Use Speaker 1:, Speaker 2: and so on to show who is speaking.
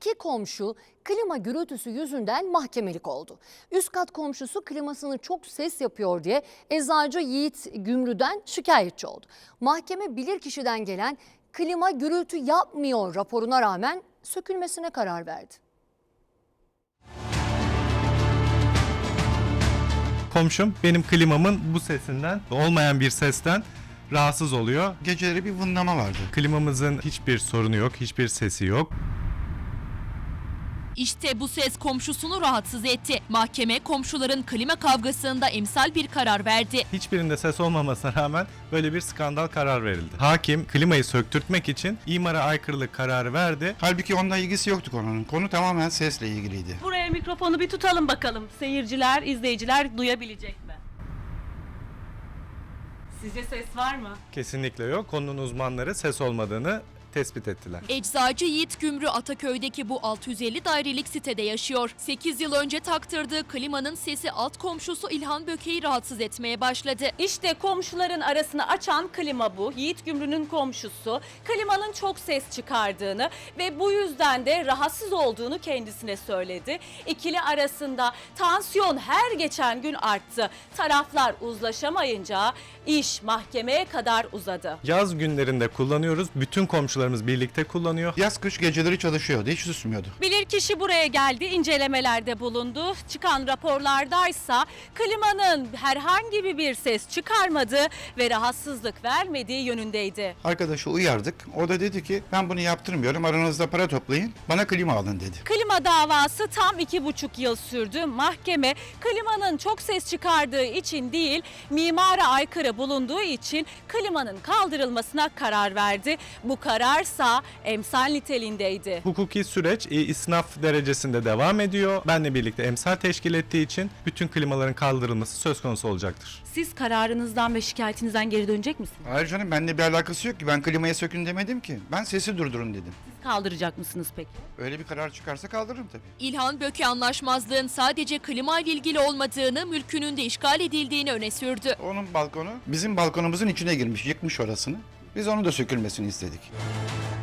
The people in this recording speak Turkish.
Speaker 1: İki komşu klima gürültüsü yüzünden mahkemelik oldu. Üst kat komşusu klimasını çok ses yapıyor diye eczacı Yiğit Gümrü'den şikayetçi oldu. Mahkeme bilirkişiden gelen klima gürültü yapmıyor raporuna rağmen sökülmesine karar verdi.
Speaker 2: Komşum benim klimamın bu sesinden, olmayan bir sesten rahatsız oluyor.
Speaker 3: Geceleri bir vınlama vardı.
Speaker 2: Klimamızın hiçbir sorunu yok, hiçbir sesi yok.
Speaker 4: İşte bu ses komşusunu rahatsız etti. Mahkeme komşuların klima kavgasında emsal bir karar verdi.
Speaker 2: Hiçbirinde ses olmamasına rağmen böyle bir skandal karar verildi. Hakim klimayı söktürtmek için imara aykırılık kararı verdi.
Speaker 3: Halbuki onunla ilgisi yoktu konunun. Konu tamamen sesle ilgiliydi.
Speaker 5: Buraya mikrofonu bir tutalım bakalım. Seyirciler, izleyiciler duyabilecek mi? Sizce ses var mı?
Speaker 2: Kesinlikle yok. Konunun uzmanları ses olmadığını tespit ettiler.
Speaker 4: Eczacı Yiğit Gümrü Ataköy'deki bu 650 dairelik sitede yaşıyor. 8 yıl önce taktırdığı klimanın sesi alt komşusu İlhan Böke'yi rahatsız etmeye başladı.
Speaker 5: İşte komşuların arasını açan klima bu. Yiğit Gümrü'nün komşusu klimanın çok ses çıkardığını ve bu yüzden de rahatsız olduğunu kendisine söyledi. İkili arasında tansiyon her geçen gün arttı. Taraflar uzlaşamayınca iş mahkemeye kadar uzadı.
Speaker 2: Yaz günlerinde kullanıyoruz. Bütün komşularımız birlikte kullanıyor.
Speaker 3: Yaz kış geceleri çalışıyordu. Hiç susmuyordu.
Speaker 5: Bilirkişi buraya geldi, incelemelerde bulundu. Çıkan raporlardaysa klimanın herhangi bir ses çıkarmadığı ve rahatsızlık vermediği yönündeydi.
Speaker 3: Arkadaşı uyardık. O da dedi ki ben bunu yaptırmıyorum. Aranızda para toplayın. Bana klima alın dedi.
Speaker 5: Klima davası tam 2,5 yıl sürdü. Mahkeme klimanın çok ses çıkardığı için değil, mimara aykırı bulunduğu için klimanın kaldırılmasına karar verdi. Bu kararsa emsal niteliğindeydi.
Speaker 2: Hukuki süreç isnaf derecesinde devam ediyor. Benle birlikte emsal teşkil ettiği için bütün klimaların kaldırılması söz konusu olacaktır.
Speaker 5: Siz kararınızdan ve şikayetinizden geri dönecek misiniz?
Speaker 3: Hayır canım benimle bir alakası yok ki. Ben klimayı sökün demedim ki. Ben sesi durdurun dedim.
Speaker 5: Siz kaldıracak mısınız peki?
Speaker 3: Öyle bir karar çıkarsa kaldırırım tabii.
Speaker 4: İlhan Böke anlaşmazlığın sadece klima ile ilgili olmadığını, mülkünün de işgal edildiğini öne sürdü.
Speaker 3: Onun balkonu bizim balkonumuzun içine girmiş. Yıkmış orasını. Biz onu da sökülmesini istedik.